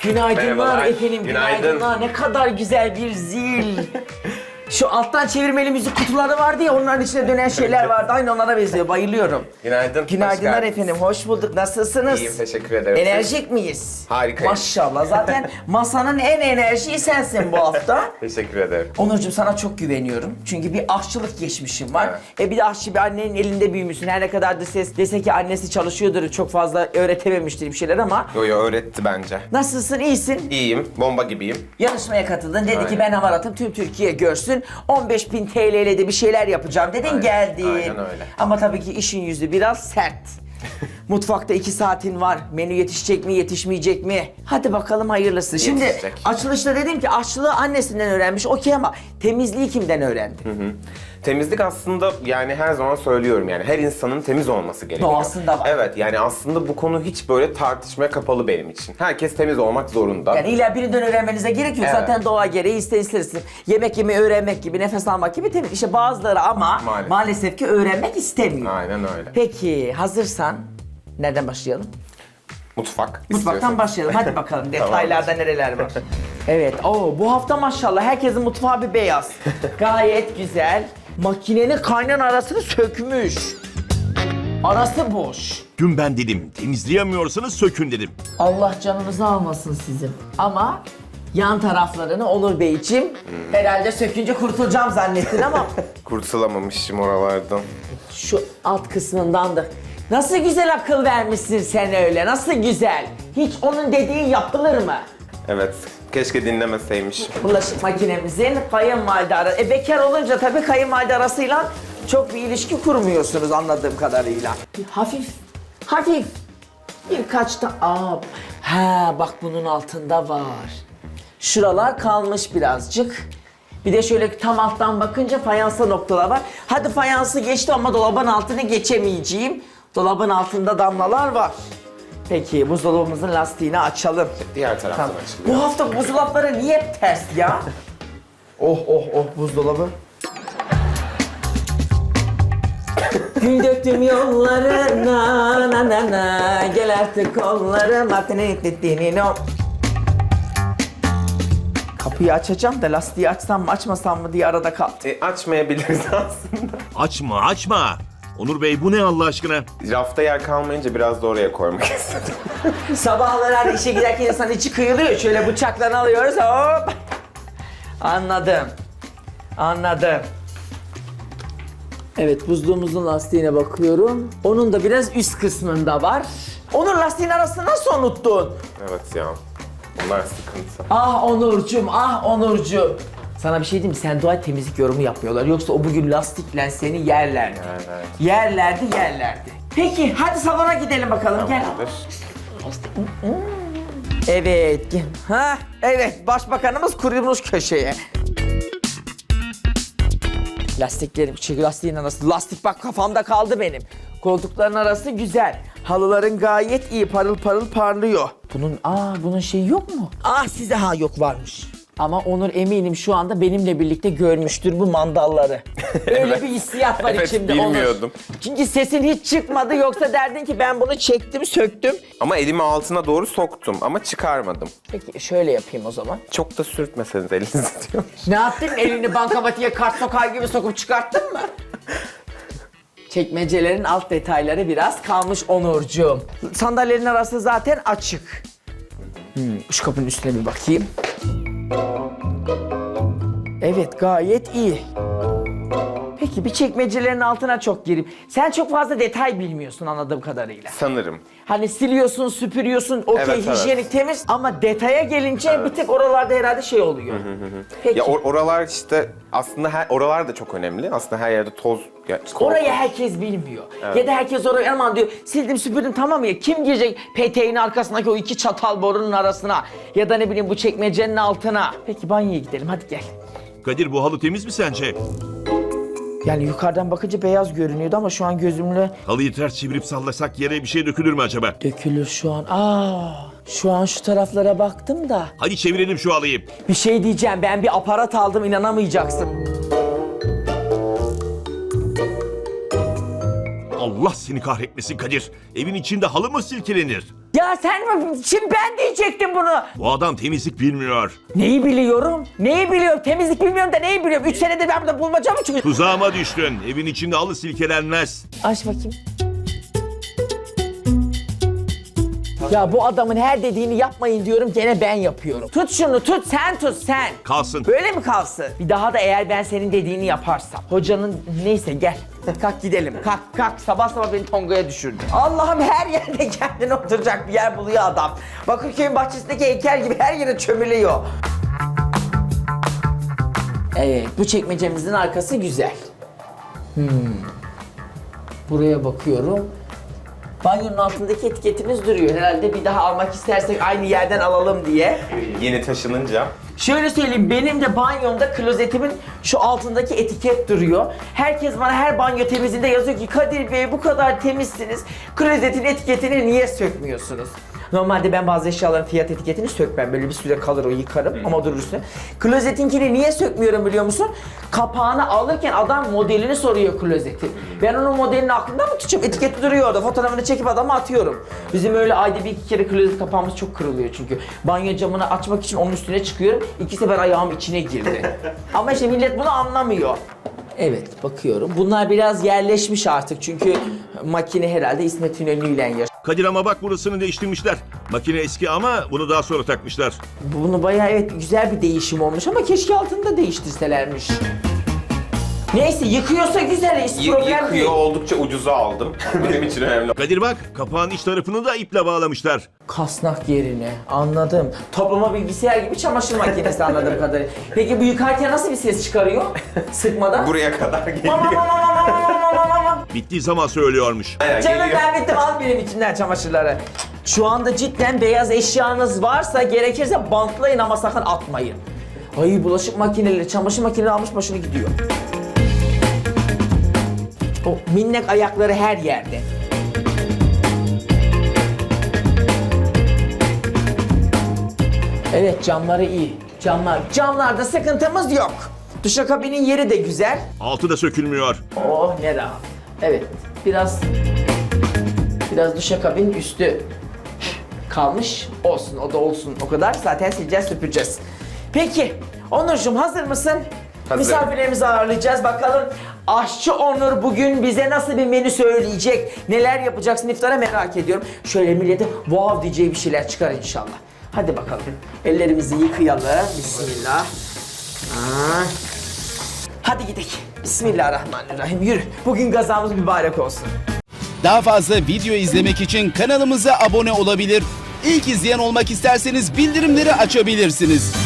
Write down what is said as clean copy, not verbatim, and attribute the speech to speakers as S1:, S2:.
S1: Günaydınlar
S2: Merhabalar.
S1: efendim,
S2: Günaydın.
S1: günaydınlar. Ne kadar güzel bir zil. Şu alttan çevirmeli müzik kutuları vardı ya, onların içine dönen şeyler vardı. Aynı onlara benziyor, bayılıyorum.
S2: Günaydın.
S1: Günaydınlar
S2: hoş geldiniz.
S1: efendim, hoş bulduk. Nasılsınız?
S2: İyiyim, teşekkür ederim.
S1: Enerjik miyiz?
S2: Harikayım.
S1: Maşallah, zaten masanın en enerjiği sensin bu hafta.
S2: Teşekkür ederim.
S1: Onurcuğum, sana çok güveniyorum. Çünkü bir aşçılık geçmişim var. Bir de aşçı bir annenin elinde büyümüşsün. Her ne kadar dese ki annesi çalışıyordur, çok fazla öğretememiştir bir şeyler ama...
S2: Yo öğretti bence.
S1: Nasılsın, iyisin?
S2: İyiyim, bomba gibiyim.
S1: Yarışmaya katıldın. Dedi ki
S2: Aynen.
S1: ben hamaratım, tüm Türkiye görsün. 15.000 TL ile de bir şeyler yapacağım dedin,
S2: Aynen,
S1: geldin.
S2: aynen öyle.
S1: Ama tabii ki işin yüzü biraz sert. Mutfakta 2 saatin var. Menü yetişecek mi, yetişmeyecek mi? Hadi bakalım hayırlısı. Şimdi
S2: Yetişecek.
S1: açılışta dedim ki aşçılığı annesinden öğrenmiş. Okey ama temizliği kimden öğrendi?
S2: Temizlik aslında yani her zaman söylüyorum yani her insanın temiz olması gerekiyor.
S1: Doğasında var.
S2: Evet yani aslında bu konu hiç böyle tartışmaya kapalı benim için. Herkes temiz olmak zorunda.
S1: Yani illa birinden öğrenmenize gerek yok.
S2: Evet.
S1: Zaten doğa gereği istersin. Yemek yemeyi öğrenmek gibi, nefes almak gibi temiz. İşte bazıları ama maalesef ki öğrenmek istemiyor.
S2: Aynen öyle.
S1: Peki hazırsan nereden başlayalım?
S2: Mutfak.
S1: Mutfaktan
S2: istiyorsan.
S1: başlayalım. Hadi bakalım detaylarda nereler var. Evet. Bu hafta maşallah herkesin mutfağı bir beyaz. Gayet güzel. Makinenin kaynan arasını sökmüş. Arası boş.
S3: Dün ben dedim, temizleyemiyorsanız sökün dedim.
S1: Allah canınızı almasın sizin. Ama yan taraflarını Onur Beyciğim herhalde sökünce kurtulacağım zannettin ama
S2: Kurtulamamışım oralardan.
S1: şu alt kısmından da. Nasıl güzel akıl vermişsin sen öyle, nasıl güzel. Hiç onun dediği yapılır mı?
S2: Evet. Keşke dinlemeseymiş.
S1: Bulaşık makinemizin kayınvalide arası. Bekar olunca tabii kayınvalide arasıyla çok bir ilişki kurmuyorsunuz anladığım kadarıyla. Hafif birkaç da bak bunun altında var. Şuralar kalmış birazcık. Bir de şöyle tam alttan bakınca fayansa noktalar var. Hadi fayansı geçti ama dolabın altını geçemeyeceğim. Dolabın altında damlalar var. Peki buzdolabımızın lastiğini açalım.
S2: Diğer taraftan
S1: Tamam.
S2: açılıyor.
S1: Bu hafta buzdolapları niye hep ters ya? Oh buzdolabı. Gül döktüm yollarına na na na gel artık kollarıma. Kapıyı açacağım da lastiği açsam mı açmasam mı diye arada kaldı.
S2: Açmayabiliriz aslında.
S3: Açma. Onur Bey bu ne Allah aşkına?
S2: Rafta yer kalmayınca biraz da oraya koymak istedim.
S1: Sabahları hani işe giderken insan içi kıyılıyor. Şöyle bıçakla alıyoruz. Hop. Anladım. Evet, buzluğumuzun lastiğine bakıyorum. Onun da biraz üst kısmında var. Onun lastiğin arasını nasıl unuttun?
S2: Evet ya. Bunlar sıkıntı.
S1: Ah Onurcuğum. Sana bir şey diyeyim mi? Sen dua et, temizlik yorumu yapmıyorlar. Yoksa o bugün lastikle seni yerlerdi. Yerlerdi. Peki hadi salona gidelim bakalım. Gel. Evet. Evet. Başbakanımız kurulmuş köşeye. Lastiklerim, lastiğin arası. Lastik bak kafamda kaldı benim. Koltukların arası güzel. Halıların gayet iyi, parıl parıl parlıyor. Bunun şeyi yok mu? Size yok varmış. Ama Onur eminim şu anda benimle birlikte görmüştür bu mandalları. Öyle bir hissiyat var
S2: Evet,
S1: içimde
S2: bilmiyordum.
S1: Onur. Çünkü sesin hiç çıkmadı, yoksa derdin ki ben bunu çektim, söktüm.
S2: Ama elimi altına doğru soktum ama çıkarmadım.
S1: Peki şöyle yapayım o zaman.
S2: Çok da sürtmeseniz elinizi diyor.
S1: Ne yaptın? Elini bankamatiğe kart sokar gibi sokup çıkarttın mı? Çekmecelerin alt detayları biraz kalmış Onurcuğum. Sandalyelerin arası zaten açık. Şu kapının üstüne bir bakayım. Evet, gayet iyi. Peki bir çekmecelerin altına çok gireyim. Sen çok fazla detay bilmiyorsun anladığım kadarıyla.
S2: Sanırım.
S1: Hani siliyorsun, süpürüyorsun, okey,
S2: Evet,
S1: hijyenik, temiz ama detaya gelince bir tek oralarda herhalde şey oluyor. Peki.
S2: Ya oralar işte aslında oralar da çok önemli. Aslında her yerde toz.
S1: Orayı herkes bilmiyor. Ya da herkes oraya aman diyor, sildim süpürdüm tamam ya. Kim girecek peteğin arkasındaki o 2 çatal borunun arasına? Ya da ne bileyim bu çekmecenin altına. Peki banyoya gidelim, hadi gel.
S3: Kadir bu halı temiz mi sence?
S1: Yani yukarıdan bakınca beyaz görünüyordu ama şu an gözümle
S3: Halıyı ters çevirip sallasak yere bir şey dökülür mü acaba?
S1: dökülür şu an. Şu an şu taraflara baktım da.
S3: Hadi çevirelim şu halıyı.
S1: Bir şey diyeceğim, ben bir aparat aldım, inanamayacaksın.
S3: Allah seni kahretmesin Kadir. Evin içinde halı mı silkelenir?
S1: Ya sen mi? Şimdi ben diyecektim bunu.
S3: Bu adam temizlik bilmiyor.
S1: Neyi biliyorum? Neyi biliyorum? Temizlik bilmiyorum da neyi biliyorum? 3 senedir ben burada bulmaca mı çıkıyorum?
S3: Tuzağıma düştün. Evin içinde halı silkelenmez.
S1: Aç bakayım. Ya bu adamın her dediğini yapmayın diyorum, gene ben yapıyorum. Tut şunu, tut sen, tut sen.
S3: Kalsın.
S1: Böyle mi kalsın? Bir daha da eğer ben senin dediğini yaparsam. Hocanın neyse gel. Kalk gidelim. Kalk. Sabah sabah beni Tonga'ya düşürdü. Allah'ım, her yerde kendine oturacak bir yer buluyor adam. Bakırköy'ün bahçesindeki heykel gibi her yere çömülüyor. Evet, bu çekmecemizin arkası güzel. Buraya bakıyorum. Banyonun altındaki etiketimiz duruyor. Herhalde bir daha almak istersek aynı yerden alalım diye.
S2: Yeni taşınınca.
S1: Şöyle söyleyeyim, benim de banyomda klozetimin şu altındaki etiket duruyor. Herkes bana her banyo temizliğinde yazıyor ki Kadir Bey bu kadar temizsiniz, klozetin etiketini niye sökmüyorsunuz? Normalde ben bazı eşyaların fiyat etiketini sökmem. Böyle bir süre kalır, o yıkarım ama durur üstüne. Klozetinkini niye sökmüyorum biliyor musun? Kapağını alırken adam modelini soruyor klozetin. Ben onun modelini aklımda mı tutacağım? Etiketi duruyor orada. Fotoğrafını çekip adama atıyorum. Bizim öyle ayda bir iki kere klozet kapağımız çok kırılıyor çünkü. Banyo camını açmak için onun üstüne çıkıyorum. 2 sefer ayağım içine girdi. Ama işte millet bunu anlamıyor. Evet, bakıyorum. Bunlar biraz yerleşmiş artık çünkü makine herhalde İsmet İnönü'yle yaşıyor.
S3: Kadir ama bak burasını değiştirmişler. Makine eski ama bunu daha sonra takmışlar.
S1: Bunu bayağı evet güzel bir değişim olmuş ama keşke altını da değiştirselermiş. Neyse, yıkıyorsa güzel, hiç problem değil.
S2: Yıkıyor, oldukça ucuza aldım. Benim için önemli.
S3: Kadir bak kapağın iç tarafını da iple bağlamışlar.
S1: Kasnak yerine, anladım. Toplama bilgisayar gibi çamaşır makinesi anladığım kadarıyla. Peki bu yıkarken nasıl bir ses çıkarıyor? Sıkmadan.
S2: Buraya kadar geliyor.
S3: Bittiği zaman söylüyormuş.
S2: Aynen,
S1: Canım
S2: geliyor.
S1: ben bittim, al benim içinden çamaşırları. Şu anda cidden beyaz eşyanız varsa gerekirse bantlayın ama sakın atmayın. Ay, bulaşık makineleri, çamaşır makineleri almış başını gidiyor. O minnek ayakları her yerde. Evet, camları iyi. Camlarda sıkıntımız yok. Duşakabinin yeri de güzel.
S3: Altı da sökülmüyor.
S1: Oh ne rahat. Evet, biraz duşakabin üstü kalmış. Olsun, o da olsun. O kadar zaten sileceğiz, süpüreceğiz. Peki, Onurcuğum hazır mısın?
S2: Hazırım.
S1: Misafirlerimizi ağırlayacağız. Bakalım aşçı Onur bugün bize nasıl bir menü söyleyecek? Neler yapacaksın iftara, merak ediyorum. Şöyle millete wow diyeceği bir şeyler çıkar inşallah. Hadi bakalım. Ellerimizi yıkayalım. Bismillah. Hadi gidelim. Bismillahirrahmanirrahim. Yürü. Bugün gazamız mübarek olsun.
S4: Daha fazla video izlemek için kanalımıza abone olabilir. İlk izleyen olmak isterseniz bildirimleri açabilirsiniz.